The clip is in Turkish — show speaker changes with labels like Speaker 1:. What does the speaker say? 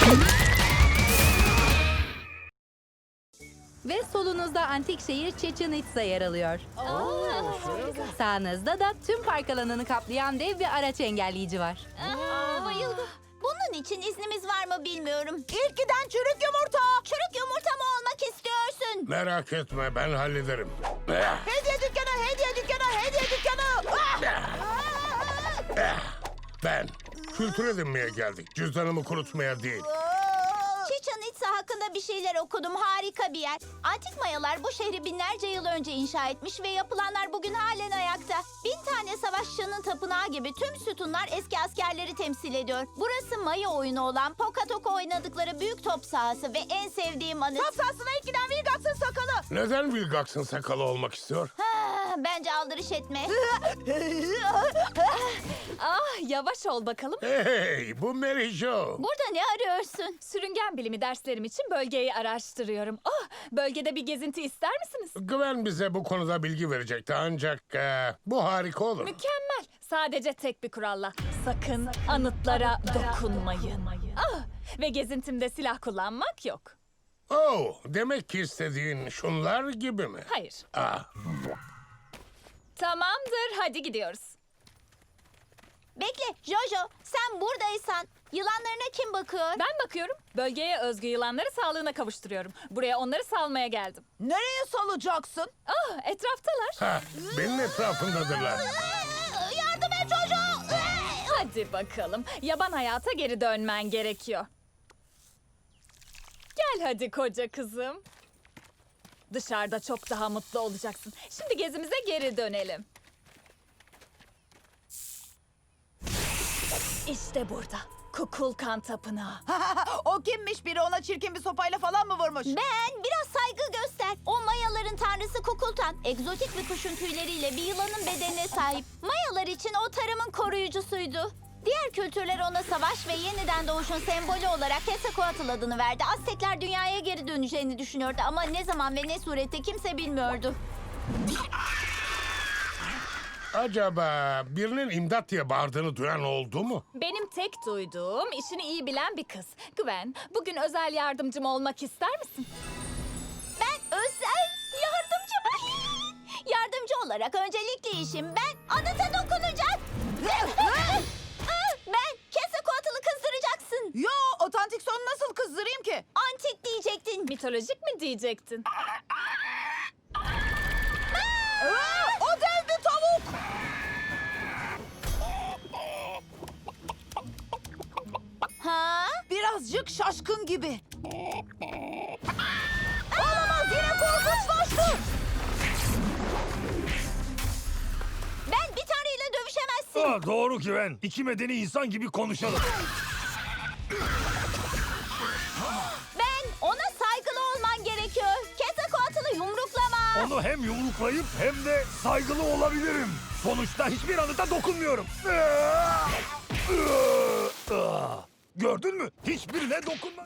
Speaker 1: Ve solunuzda antik şehir Chichen Itza yer alıyor. Sağınızda da tüm park alanını kaplayan dev bir araç engelleyici var.
Speaker 2: Bayıldım. Bunun için iznimiz var mı bilmiyorum. İlk giden çürük yumurta. Çürük yumurta mı olmak istiyorsun?
Speaker 3: Merak etme, ben hallederim.
Speaker 2: Hediye dükkanı, hediye dükkanı, hediye dükkanı.
Speaker 3: Ben kültür edinmeye geldik. Cüzdanımı kurutmaya değil.
Speaker 2: Chichen Itza hakkında bir şeyler okudum. Harika bir yer. Antik Mayalar bu şehri binlerce yıl önce inşa etmiş ve yapılanlar bugün halen ayakta. 1000 tane savaşçının tapınağı gibi tüm sütunlar eski askerleri temsil ediyor. Burası Maya oyunu olan Pokatoko oynadıkları büyük top sahası ve en sevdiğim anı. Top sahasına ilk giden Vilgax'ın sakalı.
Speaker 3: Neden Vilgax'ın sakalı olmak istiyor?
Speaker 2: Bence aldırış etme.
Speaker 4: Yavaş ol bakalım.
Speaker 3: Hey, bu Mary Jo.
Speaker 2: Burada ne arıyorsun?
Speaker 4: Sürüngen bilimi derslerim için bölgeyi araştırıyorum. Bölgede bir gezinti ister misiniz?
Speaker 3: Gwen bize bu konuda bilgi verecekti ancak bu harika olur.
Speaker 4: Mükemmel. Sadece tek bir kuralla. Sakın anıtlara dokunmayın. Ve gezintimde silah kullanmak yok.
Speaker 3: Oh, demek ki istediğin şunlar gibi mi?
Speaker 4: Hayır.
Speaker 3: Ah,
Speaker 4: Tamamdır, hadi gidiyoruz.
Speaker 2: Bekle Jojo, sen buradaysan yılanlarına kim bakıyor?
Speaker 4: Ben bakıyorum. Bölgeye özgü yılanları sağlığına kavuşturuyorum. Buraya onları salmaya geldim.
Speaker 2: Nereye salacaksın?
Speaker 4: Etraftalar.
Speaker 3: ha, benim etrafımdadırlar.
Speaker 2: Yardım et Jojo!
Speaker 4: Hadi bakalım. Yaban hayata geri dönmen gerekiyor. Gel hadi koca kızım. Dışarıda çok daha mutlu olacaksın. Şimdi gezimize geri dönelim. İşte burada. Kukulkan Tapınağı.
Speaker 5: O kimmiş, biri ona çirkin bir sopayla falan mı vurmuş?
Speaker 2: Ben biraz saygı göster. O Mayaların tanrısı Kukulkan, egzotik bir kuşun tüyleriyle bir yılanın bedenine sahip. Mayalar için o tarımın koruyucusuydu. Diğer kültürler ona savaş ve yeniden doğuşun sembolü olarak Quetzalcoatl adını verdi. Aztekler dünyaya geri döneceğini düşünüyordu ama ne zaman ve ne surette kimse bilmiyordu.
Speaker 3: Acaba birinin imdat diye bağırdığını duyan oldu mu?
Speaker 4: Benim tek duyduğum işini iyi bilen bir kız. Gwen, bugün özel yardımcım olmak ister misin?
Speaker 2: Ben özel yardımcı mı? Yardımcı olarak öncelikli işim ben anıta dokunacak. Ben Quetzalcoatl'ı kızdıracaksın.
Speaker 5: Yo, otantik sonu nasıl kızdırayım ki?
Speaker 2: Antik diyecektin.
Speaker 4: Mitolojik mi diyecektin?
Speaker 5: O dev bir tavuk!
Speaker 2: Ha?
Speaker 5: Birazcık şaşkın gibi. Olamaz, yine korkunçlaştı.
Speaker 2: Ben bir taneyle dövüşemezsin.
Speaker 6: Doğru Güven. İki medeni insan gibi konuşalım.
Speaker 2: Ben ona saygılı olman gerekiyor. Quetzalcoatl'ı yumruklama.
Speaker 6: Onu hem yumruklayıp hem de saygılı olabilirim. Sonuçta hiçbir anıta dokunmuyorum. Gördün mü? Hiçbirine dokunma.